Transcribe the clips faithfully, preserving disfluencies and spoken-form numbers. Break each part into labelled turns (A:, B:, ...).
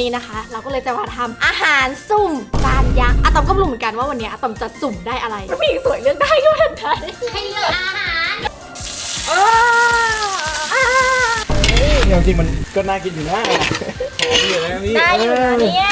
A: นี้นะคะเราก็เลยจะมาทำอาหารสุ่มจานยักษ์อะตอมก็ไม่รู้เหมือนกันว่าวันนี้อะตอมจะสุ่มได้อะไรผู้หญิงสวยเลือกได้ก็เหมือนกันให้เลือกอาหาร
B: จริงๆมันก็น่ากินอยู่นะหอมอยู่นะพี่
A: ได้อยู่นะเนี่ย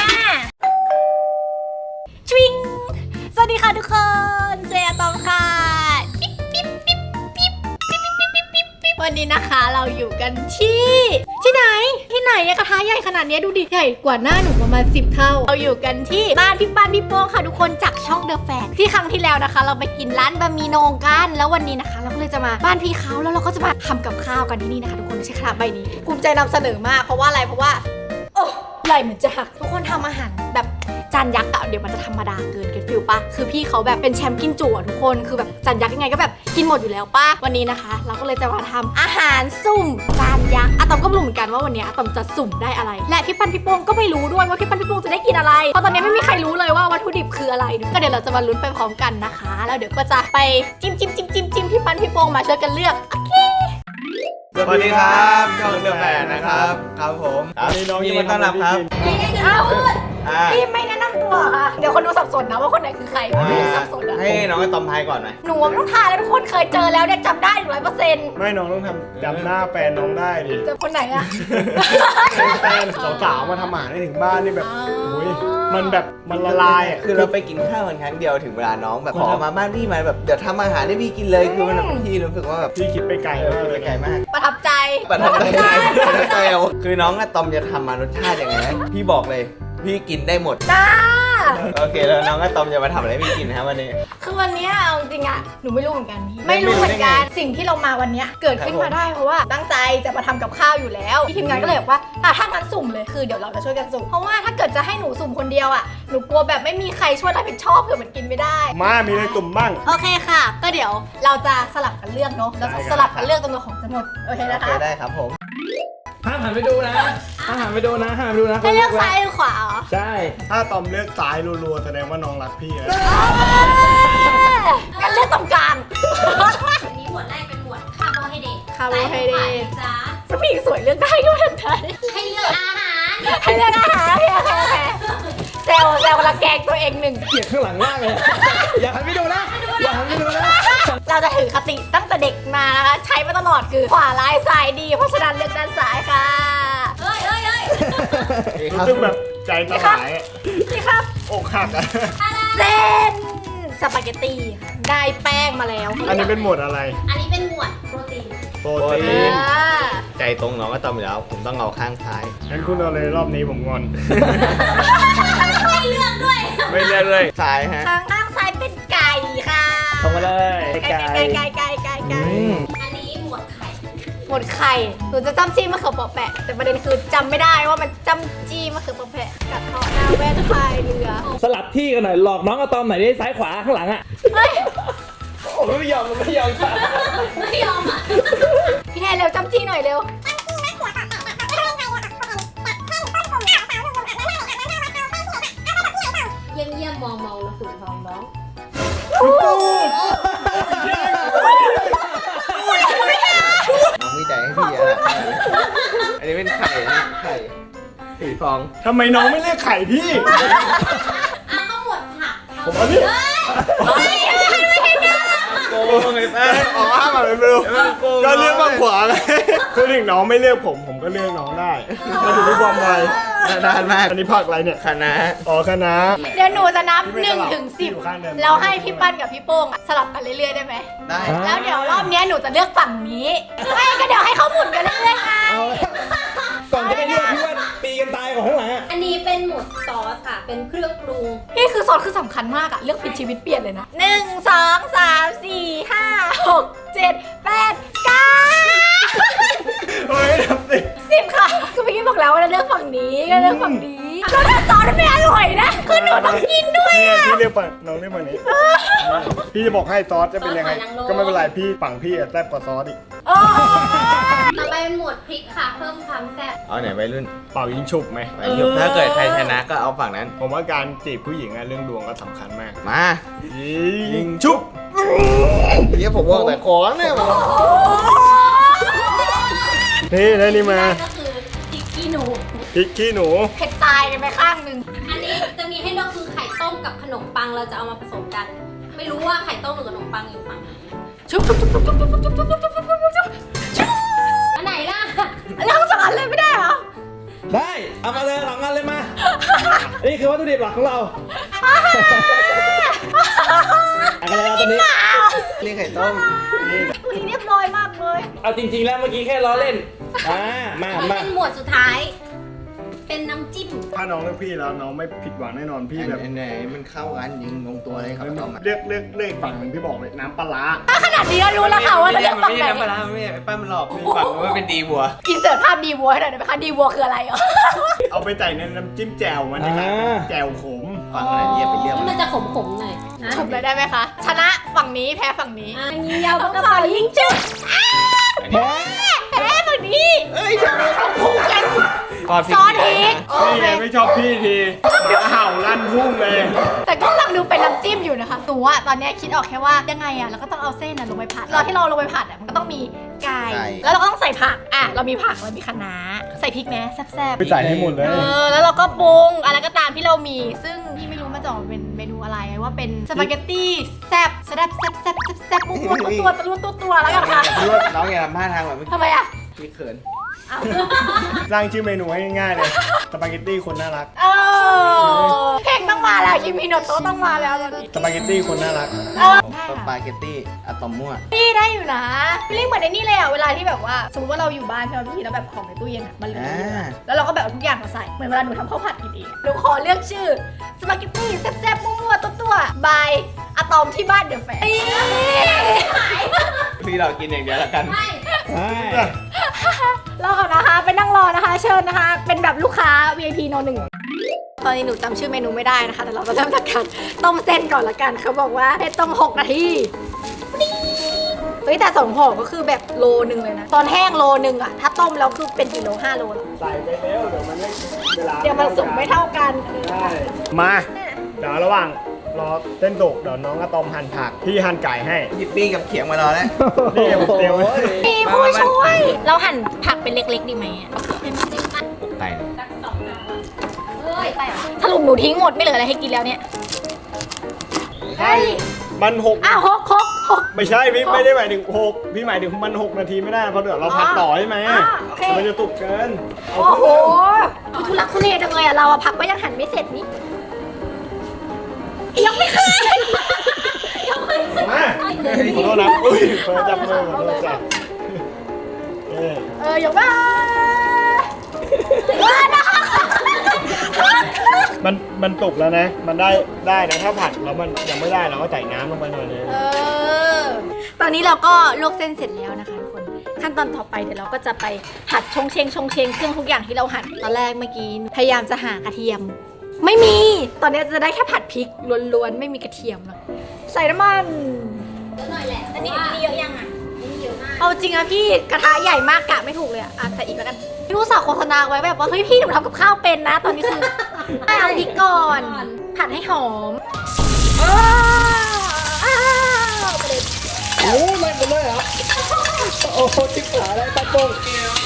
A: ชวิงสวัสดีค่ะทุกคนเจอะตอมค่ะปิ๊บปิ๊บปิ๊บปิ๊บปิ๊บปิ๊บปิ๊บปิ๊บปิ๊บวันนี้นะคะเราอยู่กันที่ที่ไหนที่ไหนกระทะใหญ่ขนาดนี้ดูดิใหญ่กว่าหน้าหนูประมาณสิบเท่าเราอยู่กันที่บ้านพี่ป้านพี่โป้งค่ะทุกคนจากช่องเดอะแฟกที่ครั้งที่แล้วนะคะ เราไปกินร้านบะหมี่โหน่งกันแล้ววันนี้นะคะ เราก็เลยจะมาบ้านพี่เขาแล้วเราก็จะมาทำกับข้าวกันที่นี่นะคะทุกคนใช้กระทะใบนี้ภูมิใจนำเสนอมากเพราะว่าอะไรเพราะว่าโอ้ไหลเหมือนจะหักทุกคนทำอาหารแบบจานยักษ์อะเดี๋ยวมันจะธรรมดาเกินเก็ตฟิลปะคือพี่เขาแบบเป็นแชมป์กินจุอะทุกคนคือแบบจานยักษ์ยังไงก็แบบกินหมดอยู่แล้วปะวันนี้นะคะ เราก็เลยจะมาทำอาหารสุ่มจานยักษ์อะตอมก็ไม่รู้เหมือนกันว่าวันนี้อะตอมจะสุ่มได้อะไรและพี่ปันพี่โป้งก็ไม่รู้ด้วยว่าพี่ปันพี่โป้งจะได้กินอะไรเพราะตอนนี้ไม่มีใครรู้เลยว่าวัตถุดิบคืออะไรก็เดี๋ยวเราจะมาลุ้นไปพร้อมกันนะคะแล้วเดี๋ยวก็จะไปจิ้มจิ้มจิ้มจิ้มจิ้มพี่ปันพี่โป้งมาช่วยกันเลือกโอเค
C: สวัสดีครับช่องเดอะแฟนนะครับครับผมยินดีต้อนรับครับ
A: อ้าวพี่ไม่แนะนำตัวค่ะเดี๋ยวคนดูสับสนนะว่าคนไหนคือใครไม่สับสนอะ
C: ให้น้องไอ้ตอมทายก่อนไหม
A: หนูต้องทายแล้วทุกคนเคยเจอแล้วเนี่ยจำได้ร้อยเปอร์เซ็นต์
B: ไม่น้องต้องทำจำหน้าแฟนน้องได้ดิ
A: เจอคนไหนอะ
B: แฟนสาวๆมาทำอาหารให้ถึงบ้านนี่แบบโอ้ยมันแบบมันละลายอ่ะ
C: คือเราไปกินข้าวกันครั้งเดียวถึงเวลาน้องแบบขอมาบ้านพี่มาแบบเดี๋ยวทำอาหารให้พี่กินเลยคือมันพี่รู้สึกว่าแบบ
B: พี่คิดไปไกลมากเลย
C: ไกลมาก
A: ประทับใจ
C: ประทับใจประทับใจคือน้องอะตอมจะทำมารสชาติยังไงพี่บอกเลยพี่กินได้หมด
A: จ้า
C: โอเคแล้วน้องก็ตอมจะมาทำอะไรพี่กินนะครับวันนี้
A: คือวันนี้เอาจริงๆอ่ะหนูไม่รู้เหมือนกันพี่ไม่รู้เหมือนกันสิ่งที่เรามาวันนี้เกิดขึ้นมาได้เพราะว่าตั้งใจจะมาทำกับข้าวอยู่แล้วพี่ทีมงานก็เลยบอกว่าถ้างั้นสุ่มเลยคือเดี๋ยวเราจะช่วยกันสุ่มเพราะว่าถ้าเกิดจะให้หนูสุ่มคนเดียวอ่ะหนูกลัวแบบไม่มีใครช่วยรับผิดชอบเผื่อมันกินไม่ได้
B: มามีอะไรสุ่มบ้าง
A: โอเคค่ะก็เดี๋ยวเราจะสลับกันเลือกเนาะเราจะสลับกันเลือกจนกว่าของจะหมดโอเคนะคะ
C: ได้ครับผม
B: ห้ามหันไปดูนะห้ามหันไปดูนะห้ามไปดูนะ
A: ให้เลือกซ้ายหรือขวาเหรอ
B: ใช่ถ้าตอมเลือกซ้ายรัวๆแสดงว่าน้องรักพี่นะ
A: งั้นเลือกตรงกลาง
D: วันนี้หมวดแรกเป็นหมวดคาร์โบไฮเดรต
A: คาร์โบไฮเดรต
D: จ้า
A: ผู้หญิงสวยเลือกได้ก็เหมือนกัน
D: ให้เลือกอาหาร
A: ให้เลือกอาหารโอเคโอเคโอเคเซลเซลกำลังแกงตัวเองหนึ่ง
B: เกลียดข้างหลังมากเลยอย่าหันไปดูนะอย่าหันไปดูนะ
A: เราจะถือคติตั้งแต่เด็กมานะคะใช้มาตลอดคือขวาร้ายซ้ายดีเพราะฉะนั้นเลือกด้านซ้ายค่ะ
D: เอ้ยเอ้ยเอ้ย
B: รู้สึกแบบใจสลาย
A: นี่ครับ
B: อกหักอะ
A: เส้นสปาเกตตี้ค่ะได้แป้งมาแล้ว
B: อันนี้เป็นหมวดอะไร
D: อันนี้เป็นหมวดโปรตีน
B: โปรตีน
C: ใจตรงน้องก็ตอมอยู่แล้วผมต้องเอาข้างซ้าย
B: งั้นคุณเอาเลยรอบนี้ผมงอน
D: ไม่เลือกด้วย
C: ไม่เลือกเลยซ้ายฮะ
A: ข้างข้างซ้ายเป็นไก่ค่ะ
B: ตรงมาเลย
A: ไก่ไก่ไก่ไก่ไก่ไก่
D: อันนี้หมวดไข่
A: หมวดไข่หนูจะจำจี้มะเขือเปาะแปะแต่ประเด็นคือจำไม่ได้ว่ามันจำจี้มะเขือเปาะแปะกับทอดหน้าแว่นพายเรือ
B: สลับที่กันหน่อยหลอกน้องอะตอมหน่อยได้ซ้ายขวาข้างหลังอะโอ้ไม่ยอมไม่ยอม
D: ไม่ยอมอ่ะ
A: พี่แทนเร็วจำจี้หน่อยเร็ว
D: เยี่ยมเยี่ยมมองมองแล้วฝุ่นทองน้อง
C: น้องวิจัยให้พี่อะอันนี้เป็นไข่ไข่สีฟอง
B: ทำไมน้องไม่เรียกไข่พี่
D: อ่ะก็หมดผัก
B: ผมเอาพี่
C: โกงไงแป้ง
B: ออกมาแบบเร็วก็เลือกฝั่งขวาไงคือถึงน้องไม่เลือกผมผมก็เลือกน้องได้มันอยู่ที่ความไว
C: นานมาก
B: อันนี้ผักอะไรเนี่ย
C: คะน้า
B: อ๋อคะน้า
A: เดี๋ยวหนูจะนับหนึ่งถึงสิบแล้วให้พี่ปั้นกับพี่โป้งสลับกันเรื่อยๆได้ไหม
C: ได้
A: แล้วเดี๋ยวรอบนี้หนูจะเลือกฝั่งนี้ไม่ก็เดี๋ยวให้เขาหมุนกันเรื่อยๆไง
B: ก่อนจะไปเลือกพี่ว่าตีกันตายของข้างหลัง
D: อันนี้เป็นหมวดซอสค่ะเป็นเครื่องปรุง
A: นี่คือซอสคือสำคัญมากอะเลือกผิดชีวิตเปลี่ยนเลยนะหนึ่งสองสามสี่ห้าหกเจ็ดแปดเก้า
B: เฮ้ยทำสิ
A: สิบค่ะคือเมื่อกี้บอกแล้วว่าเลือกฝั่งนี้ก็เลือกฝั่งนี้แล้วถ้าซอสมันไม่อร่อยนะคือหนูต้องกินด้วยอะ
B: พี่เลือกฝั่งน้องเลือกฝั่งนี้พี่จะบอกให้ซอสจะเป็นยังไงก็ไม่เป็นไรพี่ฝั่งพี่แซ่บกว่าซอสอีก
D: ต่อไปเป็นหมวดพริกค่ะเพิ่มความแซ่บ
C: เอาไหนไปรุ่น
B: เป่ายิงฉุบไหม
C: ถ้าเกิดใครชนะก็เอาฝั่งนั้น
B: ผมว่าการจีบผู้หญิงอะเรื่องดวงก็สำคัญมาก
C: มา
B: ยิงฉุบ
C: เดี๋ยวผมว่าแต่ขอเนี่ย
B: นี่ได้นี่มา
D: ก็คือพริกขี้หนู
B: พริกขี้หนู
A: เผ็ดตายกันไปข้างหนึ่ง
D: อันนี้จะมีให้เลือกคือไข่ต้มกับขนมปังเราจะเอามาผสมกัน ไม่รู้ว่าไข่ต้มหรือขนมปังอยู่ฝั่งไหน
A: ชุบชุบชุบชุบชุบชุบชุบชุบชุบชุบชุบชุบชุบ
D: อันไหนล่ะ
A: แล้วทั้งสองอันเลยไม่ได้เหรอ
C: ได้เอามาเลยสองงานเลยมา นี่คือวัตถุดิบหลักของเราอะไรนะตอนนี้นี่ไข่ต้ม
A: วันนี้เรียบร้อยมากเลย
C: เอาจริงๆแล้วเมื่อกี้แค่ล้อเล่นอ่ามา
D: มัน
C: มา
D: เป็นหมวดสุดท้าย เป็นน้ำจิ้ม
B: ถ้าน้องเลือกพี่แล้วน้องไม่ผิดหวังแน่นอนพี่แบบ
C: อันไหนมันเข้ากันยิงลงตัวเลยครับต้ม
B: เลือกเลือกเลือกอีกฝั่งหนึ่งพี่บอกเลยน้ำปลาร้า
A: ถ้าขนาดนี้ก็รู้แล้วค่ะว่าจะเลือกฝั่งไหน
C: มันไม่ใช่ป้ามันหลอกมีฝั่งว่าเป็นดีบัว
A: อินเสิร์ตภาพดีวัวให้หน่อยได้ไหมคะดีวัวคืออะไรเหรอ
B: เอาไปใส่ในน้ำจิ้มแจ่วมันจะกลายเป็นแจ่วขม
C: ฝั่งอะไรเยี่ยไปเรื่อง
D: ที่มันจะขมๆหน่อยนะ
A: จบเลยได้ไหมคะ ชนะฝั่งนี้แพ้ฝั่งนี้
D: อ่ะยิงยาว
A: เอา
D: ปาก
A: ก
D: ก
A: ระ
D: ระ
A: เป๋า
D: เป๋า
A: ยิ
D: ยิ
A: ง
D: ง
A: จุด
C: แพ้
A: แพ้ฝั่งนี้
C: เอ้ยเดี๋ยวเราคู่กัน
A: ซอสพริกโอ
B: นี่
A: เค
B: ไงไม่ชอบพี่ทีหมาเห่าลั่นพุ่งเลย
A: แต่ก็ฟังดูเป็นน้ำจิ้มอยู่นะคะหนูอะตอนเนี้ยคิดออกแค่ว่ายังไงอะเราก็ต้องเอาเส้นอะลงไปผัดเราที่เราลงไปผัดอะมันก็ต้องมีไก่แล้วเราก็ต้องใส่ผักอะเรามีผักเรามีคะน้าใส่พริกไหมแซ่บ
B: ไปใส่ให้หมดเลย
A: ๆเออแล้วเราก็ปรุงอะไรก็ตามที่เรามี ซึ่งพี่ไม่รู้มันจะออกมาเป็นเมนูอะไรว่าเป็นสปาเกตตี้แซ่บแซ่บแซ่บแซ่บแซ่บแซ่บม้วนๆตัวตัวตัวตัวแล้วกันค่ะ
C: น้องอย่าทำท่าทางแบบเมื่อกี้
A: ทำไมอะ
C: พี่เขิน
A: อ้าว
B: สร้างชื่อเมนูให้ง่ายๆเลยสปาเกตตี้คนน่ารัก
A: เออเพลงต้องมาแล้วคิมิโนโตะต้องมาแล้วตอนนี้
B: สปาเกตตี้คนน่ารัก
A: เออได้
C: ส
A: ค่ะ
C: ปาเกตตี้อะตอมมั่ว
A: พี่ได้อยู่นะพี่เรียกเหมือนในนี่เลยอ่ะเวลาที่แบบว่าสมมติว่าเราอยู่บ้านใช่ไหมพี่แล้วแบบของในตู้เย็นอ่ะมันเหลือเยอะแล้วเราก็แบบเอาทุกอย่างมาใส่เหมือนเวลาหนูทำข้าวผัดกินเองหนูขอเลือกชื่อสปาเกตตี้แซ่บๆมั่วๆตัวๆบายอะตอมที่บ้านเดอะแฟร์
C: พี่เรากินอย่างเดียวละกัน
D: ไม่
C: ใช่
A: รอก่อนนะคะไปนั่งรอนะคะ เชิญนะคะ เป็นแบบลูกค้า วี ไอ พี โนหนึ่งตอนนี้หนูจำชื่อเมนูไม่ได้นะคะแต่เราจะเริ่มจากการต้มเส้นก่อนละกันเขาบอกว่าให้ต้มหกนาทีเฮ้ยแต่สองห่อก็คือแบบโลนึงเลยนะตอนแห้งโลนึงอะถ้าต้มแล้วคือเป็นกิโลห้าโลแล้ว
B: ใส่ไปแล้วเดี๋ยวมันไม่เวลา
A: เดี๋ยวมันสุกไม่เท่ากัน
B: ใช่มาเดี๋ยวระหว่างรอเต้นตกเดี๋ยวน้องอะตอมหั่นผักพี่หั่นไก่ให้
C: ยิปปี้กับเขียงมารอแล้ว
B: นี่ผมเตรียมไว้
A: มีผู้ช่วย เราหั่นผักเป็นเล็กๆดีไหมอะ
C: ปกไก่เลย
D: สักสองจานเฮ้ยไปเหรอ
A: สรุปหนูทิ้งหมดไม่เหลืออะไรให้กินแล้วเนี่ย
B: ใช่มันหก
A: อ้าวหกหกหก
B: ไม่ใช่พี่ไม่ได้หมายถึงหกพี่หมายถึงมันหกนาทีไม่ได้เพราะเดี๋ยวเราพักต่อใช่ไหม
A: อ๋อโอเค
B: มันจะตุกเกินเอา
A: โอ้โห
B: ขึ้น
A: ทุลักทุเลจังเลยอะเราอะผักก็ยังหั่นไม่เสร็จนี่ยังไม่ขึ้นยังไม่ขึ้น
B: มาขอโทษนะอุ้ยเฟิร์นจับมือขอโทษจ้ะเอ้ย
A: เออยังไม่ว่านะ
B: มันมันตุกแล้วนะ มันได้ได้นะถ้าผัดแล้วมันยังไม่ได้เราก็ใส่น้ำลงไปหน่อยนึง
A: เออตอนนี้เราก็ลวกเส้นเสร็จแล้วนะคะทุกคนขั้นตอนต่อไปเดี๋ยวเราก็จะไปผัดชงเชงชงเชงเครื่องทุกอย่างที่เราหั่นตอนแรกเมื่อกี้พยายามจะหากระเทียม ไม่มี ตอนนี้จะได้แค่ผัดพริกล้วนๆไม่มีกระเทียมหรอกใส่น้ำมัน
D: เยอะหน่อยแหละ
A: อันนี้อันนี้เยอะยังอ่ะ
D: อันนี้เยอะมาก
A: เอาจริงอะพี่กระทะใหญ่มากกะไม่ถูกเลยอะอ่ะใส่อีกแล้วกันพี่ผู้สาวโฆษณาไว้แบบว่าเฮ้ยพี่หนูทำกับข้าวเป็นนะ ตอนนี้คือให้เอาพริกก่อน ผัดให้หอมอ้าวอ้าวไปเลย
C: โอ้ไม่เป็นเลยเหรอโอ้ทิพขาอะไรตะโกง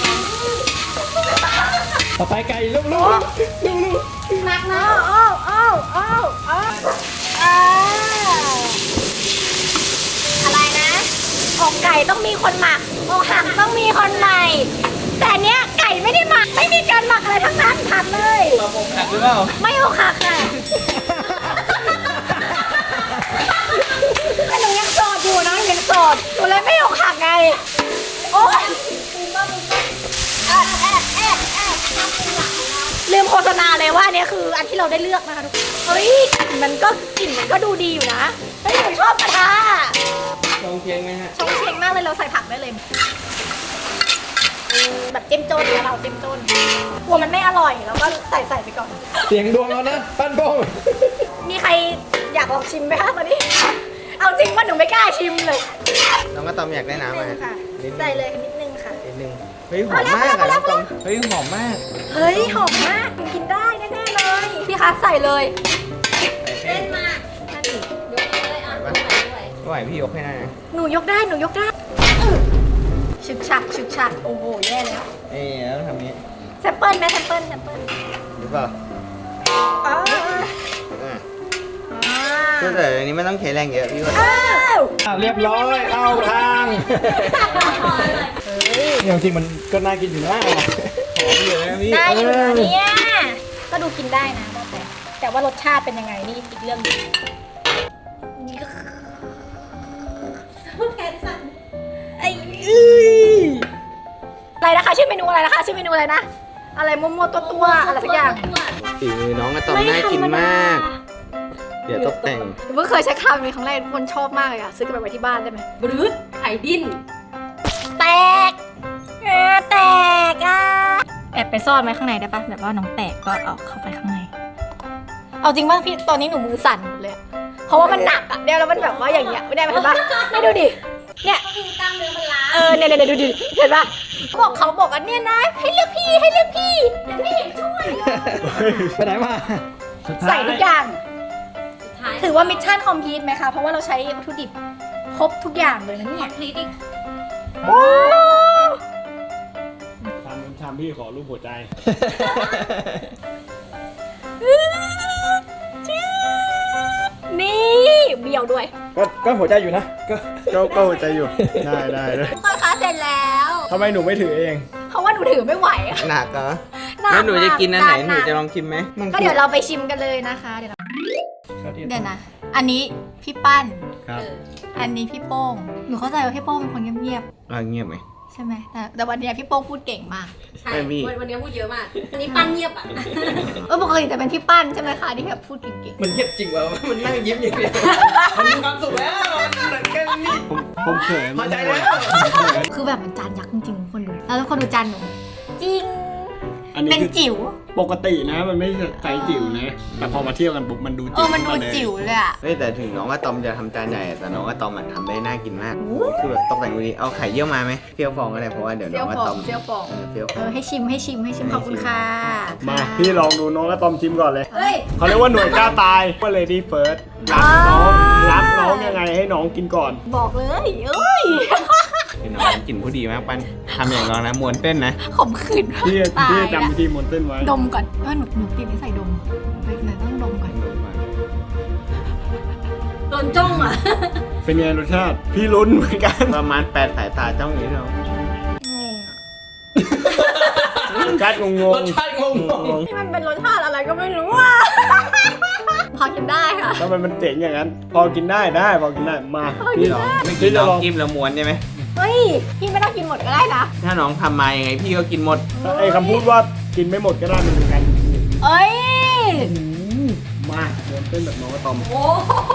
C: ต่อไปไก่ลูกลูกลูกลูก
A: หนักนะอ้าวอ้าวอ้าวอ้าวอ้าวอะไรนะอกไก่ต้องมีคนหมักอกหักต้องมีคนใหม่ แต่เนี้ยไก่ไม่ได้หมักไม่มีการหมักอะไรทั้งนั้นผัดเลย
C: เราโมหักหรือเปล่า
A: ไม่อกหักค่ะแต่หนูยังโสดอยู่นะหนูยังโสดหนูเลยไม่อกหักไงโอ๊ยแอะแอะแอะแอะลืมโฆษณาเลยว่าอันเนี้ยคืออันที่เราได้เลือกนะคะทุกคนเฮ้ยกลิ่นมันก็กลิ่นมันก็ดูดีอยู่นะเฮ้ยหนูชอบกระทะ
C: ลองเพียงไหมฮะ
A: ชงเชงมากเลยเราใส่ผักได้เลยอืมแบบเจ้มจนนะเราเจ้มจนกลัวมันไม่อร่อยเราก็ใส่ใส่ไปก่อน
C: เสียงดวงแล้วนะปั้นโป้ง
A: มีใครอยากลองชิมไหมคะตอนนี้ เอาจริงว่าหนูไม่กล้าชิมเลย
C: น้องก็ตอมอยากได้น้ำไหม
A: นิดนึงค่ะ
C: นิดนึง
A: ใส่เลยนิดนึงค่ะ
C: นิดนึงเฮ้ยหอมมากอะน้องตอมเฮ้ยหอมมาก
A: เฮ้ยหอมมากกินได้แน่ๆเลย พี่คะใส่เลย
C: ใส่เส้
D: เล่
C: น
D: นมา
A: นั่นดิ
D: ยกเลยอ่ะด้วยด้วย
C: ไม่ไหวพี่ยกให้ได้นะ
A: หนูยกได้หนูยกได้อื้อฉึกฉักฉึกฉักโอ้โหแย่แล้ว
C: เอ๊ะแล้วทำนี้
A: ใซมเปิลไหมแซมเปิลแซมเปิล
C: หรือเปล่า
A: อ้าว
C: อ่ะ
A: อ้า
C: คือแต่อันนี้ไม่ต้องใช้แรงเยอะพี่ว่า
A: อ้าว
B: อ่ะเรียบร้อยเข้าทางอย่างจริงมันก็น่ากินอยู่นะหอมอยู่นะพี่
A: ได้อยู่นะเนี่ยก็ดูกินได้นะแต่แต่ว่ารสชาติเป็นยังไงนี่อีกเรื่องหนึง
D: แขนสั่น
A: ไอ้อื้ออะไรนะคะชื่อเมนูอะไรนะคะชื่อเมนูอะไรนะอะไรมัวๆตัวตัวๆอะไรสักอย่าง
C: ฝีมือน้องอะตอมน่ากินมาก เดี๋ยวตกแต่ง
A: เพิ่งเคยใช้คำนี้ครั้งแรกทุกคนชอบมากเลยอะซื้อกลับไปไว้ที่บ้านได้ไหม
D: บรืดไข่ดิ้น
A: แตกเออแตกอ่ะแอบไปซ่อนไว้ข้างในได้ปะแบบว่าน้องแตกก็เอาเข้าไปข้างในเอาจริงป่ะพี่ตอนนี้หนูมือสั่นหมดเลยอะเพราะว่ามันหนักอะเดี๋ยวแล้วมันแบบว่าอย่างเงี้ยไม่ได้ไหมเห็นปะไม่ดูดิเนี่ย
D: ก็คือกล้ามเนื้อมันล้า
A: เออเนี่ยเนี่ยดูดิเห็นปะบอกเขาบอกอันเนี้ยนะให้เลือกพี่ให้เลือกพี่เดี๋ยวพี่เห็นช่วยเลย
B: ไปไหนมา
A: ใส่ทุกอย่าง
D: สุดท้าย
A: ถือว่ามิชชั่นคอมพลีทไหมคะ เพราะว่าเราใช้วัตถุดิบครบทุกอย่างเลยนะเนี่ย
D: พลีดอีก
A: โอ้
B: ทำทำพี่ขอรูปหัวใจ
A: นี่เบี้ยวด้วย
B: ก็ก็หัวใจอยู่นะ ก็ก็ก็หัวใจอยู่ ได้ได้เลย
A: ค่อยค้าเสร็จแล้ว
B: ทำไมหนูไม่ถือเอง
A: เพราะว่าหนูถือไม่ไหวอะ
C: หนักเหรอ
A: นัก
C: แล้วหนูจะกินอันไหน
A: มาก
C: หนูจะลองชิมไหมมัน
A: ก็เดี๋ยวเราไปชิมกันเลยนะคะ เดี๋ยวเราเดี๋ยวนะ อันนี้พี่ปั้น
B: ครับ
D: เออ
A: อันนี้พี่โป้ง หนูเข้าใจว่าพี่โป้งเป็นคนเงียบ
C: อ่ะเงียบไหม
A: ๆใช่ไหมแต่แต่วันเนี้ยพี่โป้งพูดเก่งมาก
D: ใช่
C: ไม่มี
D: วันวันนี้พูดเยอะมากวันนี้ปั้นเงียบอ่ะ
A: เออปกติจะเป็นพี่ปั้นใช่ไหมคะที่แบบพูดเก่ง
C: มันเงียบจริงวะมันนั่งยิ้มอย่างเดียวมันมีความสุขแล้วมันแค่นี้
B: ผมผมเขิน
C: พอใจแล้ว
A: ๆ คือแบบมันจานยักษ์จริงๆทุกคนดู แล้วทุกคนดูจานหนู จริง
B: อันนี้
A: เป็น
B: คือ
A: จิ๋ว
B: ปกตินะ มันไม่ใช่ไซส์จิ๋วนะ แต่พอมาเที่ยวกันปุ๊บมันดู
A: เอ
B: จิ๋
A: อ
B: ว
A: มันดู
B: ขึ้าเลย
A: จิ๋วเลยอะ
C: เฮ้ยแต่ถึงน้องอะตอมจะทำจานใหญ่แต่น้องอะตอมอะทำได้น่ากินมาก
A: โอ้
C: คือแบบตกแต่งดูดีเอาไข่เยี่ยวมาไหมเฟี้ยวฟองก็ได้เพราะว่าเดี๋ยว
A: เซี
C: น้
A: ย
C: อ
A: ว
C: งอะ
A: ฟอ
C: ตอง ม
A: เซียวฟอง
C: เออเฟี้ยวฟ
A: เอ
C: อง
A: อให้ชิมให้ชิมให้ชิมขอบคุณค่ะ
B: มาพี่ลองดูน้องอะตอมชิมก่อนเลย
A: เฮ้ย
B: เขาเรียกว่าหน่วยกล้าตายว่า lady first รักน้องรักน้องยังไงให้น้องกินก่อน
A: บอกเลยเอ้ย
C: คือน้องกลิ่นผู้ดีมากปั้นทำอย่างน้องนะมวนเต้นนะ
A: ขมขื่น
B: พี่
A: ตาย
B: พี่
A: ละ
B: จำวิธีมนเต้นไว้
A: ดมก่อนเออหนูหนูติดนิสัยดมไปไหนต้องดมก่อน
D: โดนจ้องอ่ะ
B: เป็นไงรสชาติ พี่ลุ้นเหมือนกัน
C: ประมาณแปดสายตาจ้องอย่างนี้เรา
A: งงอะ
B: รสชาติงงง
C: รสชาติงง
A: นี่มันเป็นรสชาติอะไรก็ไม่รู้อ่ะ พอกินได้ค่ะ
B: ทำไมมันเจ๋งอย่างนั้น พอกินได้ได้พอกินได้มา
A: พอกิ
B: พี่
A: น
B: ล
A: ได้
B: อง
C: ไม่กิ
B: พี่
C: น
B: จะ
C: น้
B: ล
C: อ
B: อง ง
C: จิ้มแล้วม้วนใช่ไหม
A: เฮ้ย พี่ไม่ต้องกินหมดก็ได้นะ
C: ถ้าน้องทำมายังไงพี่ก็กินหมด
B: ไอ้คำพูดว่ากินไม่หมดก็ได้มันเหมือนกัน
A: เอ้ย
B: มาเดินเต้นแบบน้องอะตอม
D: โอ้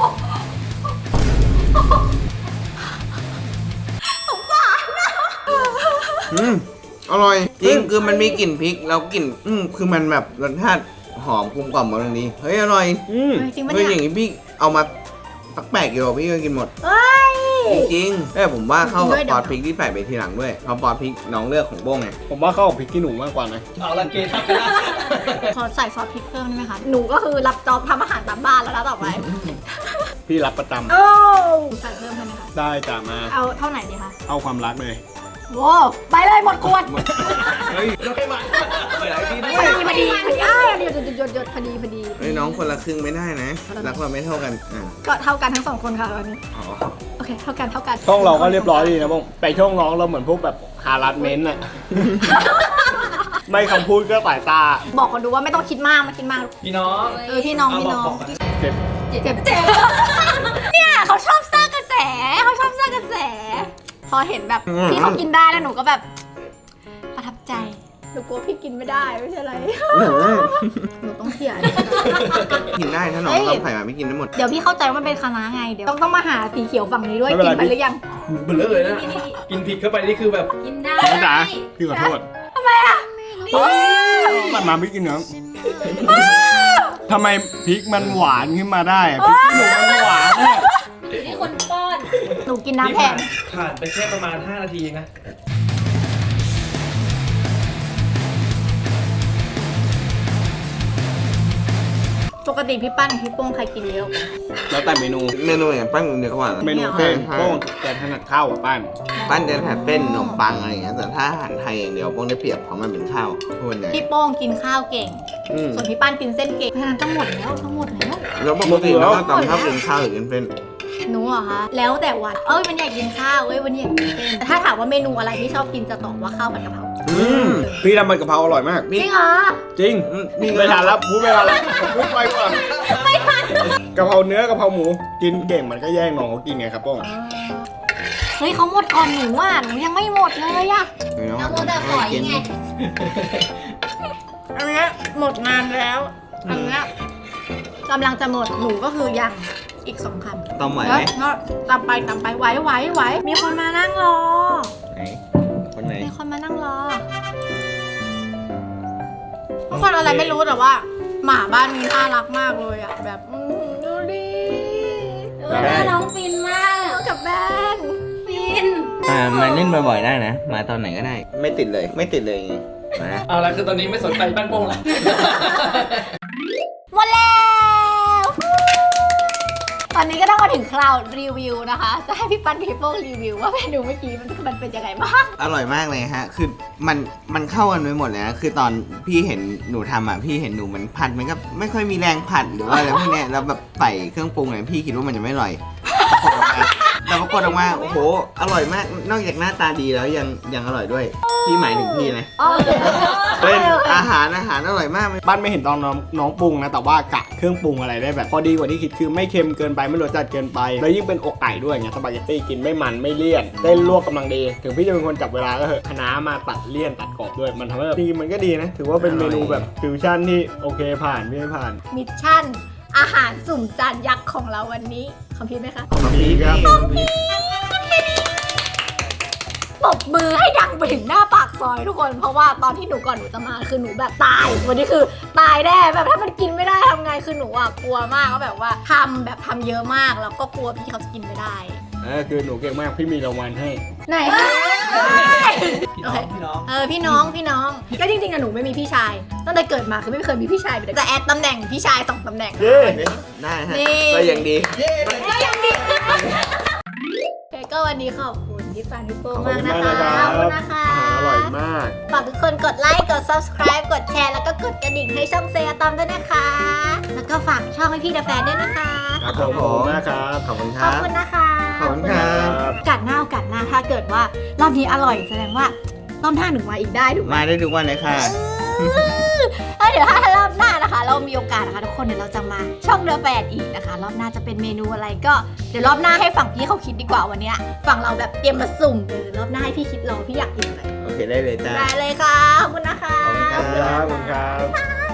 C: อืมอร่อยจริงคือมันมีกลิ่นพริกแล้วกลิ่นอืมคือมันแบบรสชาติหอมกลมกล่อมกำลังดีเฮ้ยอร่อย
B: อืม
A: เฮ้ยจริงปะ
C: เฮ้ยอ
A: เนี่ย
C: ย่างนี้พี่เอามาตักแปลกอยู่พี่ก็กินหมด
A: เฮ้ย
C: จริงๆแต่ผมว่าเข้ากับ
A: ด้วยเดี๋
C: ซ
A: ยว
C: อสพริกที่ใส่ไปทีหลังด้วยเพราะซอสพริกน้องเลือกของโบ้งไง
B: ผมว่าเข้ากับพริกขี้หนูมากกว่านะ
C: เอาละเกทัก
A: ขอใส่ซอสพริกเพิ่มได้ไหมคะ หนูก็คือรับจอบทำอาหารตามบ้านแล้วนะต่อไป
B: พี่รับประจำ
A: โอ้ใส่เพิ่มได้ไหมคะ
B: ได้จ้ามา
A: เอาเท่าไหนดีคะ
B: เอาความรักเลย
A: โว้ไปเลยหมดขวด
C: เฮ้ยเราให้มาไปหลายพี่ด้
A: พ
C: ว
A: อย ดีพอดีพอดีอ้าวหยดหยดหยดหยดพอดีพอดี
C: เฮ้ยน้องคนละครึ่งไม่ได้นะรักเราไม่เท่ากันอ่ะ
A: ก็เท่ากันทั้งสองคนค่ะวันนี้
C: อ๋อ
A: โอเค เท่ากันเท่ากัน
B: ช่องเราก็เรียบร้อยดีนะบ้งไปช่องน้องเราเหมือนพวกแบบฮารัสเมนต์อะ ไม่คำพูดก็สายตา
A: บอกคนดูว่าไม่ต้องคิดมากไม่คิดมาก
C: พี่น้อง
A: เออพี่น้องพี่น้อง
B: เจ็บ
A: เจ็บเจ็บเนี่ยเขาชอบสร้างกระแสเขาชอบสร้างกระแส พอเห็นแบบพี่เขากินได้แล้วหนูก็แบบ ประทับใจหนูกลัวพี่กินไม่ได้ไม่ใช่อะไรหนูต้องเขียน
C: กินได้ถ้าน้อง
A: เฮ้ย
C: ต้องใส่มาพี่กินได้หมด
A: เดี๋ยวพี่เข้าใจว่ามันเป็นคณะไงเดี๋ยวต้องต้องมาหาสีเขียวฝั่งนี้ด้วยกินไปหรือยัง
C: เบลอเลยนะกินผิดเข้าไปนี่คือแบบ
D: กินได้
B: น้องจ๋าพี่ขอโทษ
A: ทำไมอ่ะ
B: มันมาพริกกินเนาะทำไมพริกมันหวานขึ้นมาได้อะพริกขี้หนูมันหวานอะ
D: อยู่ที่คนป้อน
A: หนูกินน้ำแทน
E: ผ่านไปแค่ประมาณ ห้า นาทีเองนะ
A: จปกติพี่ปั้นกับพี่โป้งใครกินเยอะกว่า
B: แล้วแต่เมนู
C: เมนูอย่างปั้นเนื้อขวาน
B: เมนูเส้นโป้งแกถนัดข้าวกับปั้น
C: ปั้นจะแถบเส้นขนมปังอะไรอย่างเงี้ยแต่ถ้าอาหารไทยอย่างเดียวพวกได้เปรียบเพราะมันเป็นข้าวส่วนใหญ่
A: พี่โป้งกินข้าวเก่ง
C: อืม
A: ส่วนพี่ปั้นกินเส้นเก่งเพราะฉะนั้นทั้งหมดแล้วทั้งหมดแล้ว
C: แล้วปกติเราก็ตำข้าวกินข้าวหรือกินเส้น
A: หนูเหรอคะแล้วแต่วันเอ้ยวันนี้อยากกินข้าวเอ้ยวันนี้อยากกินเส้นแต่ถ้าถามว่าเมนูอะไรที่ชอบกินจะตอบว่าข้าวผัดกะเพรา
B: อืมพี่ทำมันกะเพราอร่อยมาก
A: จริงเหรอ
B: จริง
C: อืม
B: ไม่ทันแล้วพูดไม่ทันแล้วพูดไปก่อนไม่ทันกะเพราเนื้อกะเพราหมูกินเก่งมันก็แย่งน้องเขากินไงครับโป้ง
A: เฮ้ยเขาหมดก่อนหนูอ่ะหนูยังไม่หมดเลยอ่ะ
D: เราโมเดลฝอยไง
A: อันเนี้ยหมดนานแล้วอันเนี้ยกำลังจะหมดหนูก็คือยังอีกสองคำ
C: ต้มไหว
A: แล้ว
C: ไหม
A: ก็ตามไปตามไปไหวไหวไหวมีคนมานั่งรอ
C: ไหนคนไหน
A: มีคนมานั่งรอทุกคนอะไรไม่รู้แต่ว่า หมาบ้านนี้น่ารักมากเลยอ่ะแบบอืมดูดิ
D: เออแม่น้องฟินมาก
A: เอากับแบน
D: ฟิน
C: อ่ามาเล่นบ่อยๆได้นะ มาตอนไหนก็ได้ ไม่ติดเลย ไม่ติดเลยไงมา
E: เอาละคือตอนนี้ไม่สนใจปั้นโป้งละ
A: หมดแล้ว ตอนนี้ก็ต้องมาถึงคราวรีวิวนะคะ จะให้พี่ปั้นกับพี่โป้งรีวิวว่าเมนูเมื่อกี้มันมันเป็นยังไงบ้าง
C: อร่อยมากเลยฮะ คือมันมันเข้ากันไปหมดเลยนะ คือตอนพี่เห็นหนูทำอ่ะ พี่เห็นหนูมันผัดมันก็ไม่ค่อยมีแรงผัดหรือว่าอะไรพวกเนี้ยแล้วแบบใส่เครื่องปรุงเนี่ยพี่คิดว่ามันจะไม่อร่อย แต่ปรากฏออกมาโอ้โห อร่อยมาก นอกจากหน้าตาดีแล้วยังยังอร่อยด้วย พี่หมายถึงพี่นะ
A: อ๋อ
C: เป็นอาหารอาหารอร่อยมาก
B: ปั้นไม่เห็นตอนน้องน้องปรุงนะแต่ว่ากะเครื่องปรุงอะไรได้แบบพอดีกว่าที่คิดคือไม่เค็มเกินไปไม่รสจัดเกินไปแล้วยิ่งเป็นอกไก่ด้วยไงสปาเกตตี้กินไม่มันไม่เลี่ยนเส้นลวกกำลังดีถึงพี่จะเป็นคนจับเวลาก็เถอะคะน้ามาตัดเลี่ยนตัดกรอบด้วยมันทำให้แบบจริงๆมันก็ดีนะ ถือว่าเป็นเมนูแบบฟิวชั่นที่โอเคผ่านพี่ให้ผ่าน
A: มิชชั่น อาหารสุ่มจานยักษ์ของเราวันนี้คอมพิวไหมคะ
C: ของพี่
B: ครับ
A: ปรบมือให้ดังไปถึงหน้าปากซอยทุกคน เพราะว่าตอนที่หนูก่อนหนูจะมาคือหนูแบบตาย วันนี้คือตายแน่แบบถ้ามันกินไม่ได้ทำไงคือหนูอ่ะกลัวมากก็แบบว่าทำแบบทำเยอะมากแล้วก็กลัวพี่เขาจะกินไม่ได้
B: เออคือหนูเก่งมากพี่มีรางวัลให้
A: ไหนคะโอเคเออพี่น้องพี่น้องก็จริงๆอะหนูไม่มีพี่ชายตั้งแต่เกิดมาคือไม่เคยมีพี่ชายเลยแต่แอดตำแหน่งพี่ชายสองตำแหน่ง
B: เย้
C: ได้ฮะ
A: นี่
C: ก็ยังดี
A: ก็ยังดีโอเคก็วันนี้ขอบคุณพี่ปานพี่โป้
B: ขอบ
A: มาก
B: คุณ
A: นะ
B: มาก
A: คะ
B: นะครับ
A: ขอบคุณนะคะ
B: อาหารอร่อยมาก
A: ฝากทุกคนกดไลค์กด subscribe กดแชร์แล้วก็กดกระดิ่งให้ช่องเซยตอมด้วยนะคะ แล้วก็ฝากช่องให้พี่เดอะแฟนด้วยนะคะ
B: ครับผมขอบคุณมากครับ
C: ขอบคุณค
A: ขอ
C: รั
A: บบ คุณนะคะ
C: ขอบคุณครับ
A: โอกาสหน้าโอกาสหน้าถ้าเกิดว่ารอบนี้อร่อยแสดงว่ารอบหน้าหนูมาอีกได้ถูกไหม
C: มาได้ทุกวันเลยค่ะ
A: เออเดี๋ยวถ้ารอบหน้านะคะ เรามีโอกาสนะคะทุกคนเดี๋ยวเราจะมาช่องเดอะแฟนอีกนะคะ รอบหน้าจะเป็นเมนูอะไรก็เดี๋ยวรอบหน้าให้ฝั่งพี่เขาคิดดีกว่าวันเนี้ยฝั่งเราแบบเตรียมมาสุ่มเออรอบหน้าให้พี่คิดรอพี่อยากกินอะไร
C: โอเคได้เลยจ้า
A: ได้เลยค่ะขอบคุณนะคะ
C: ขอบคุณครับ
B: ขอบคุณครับ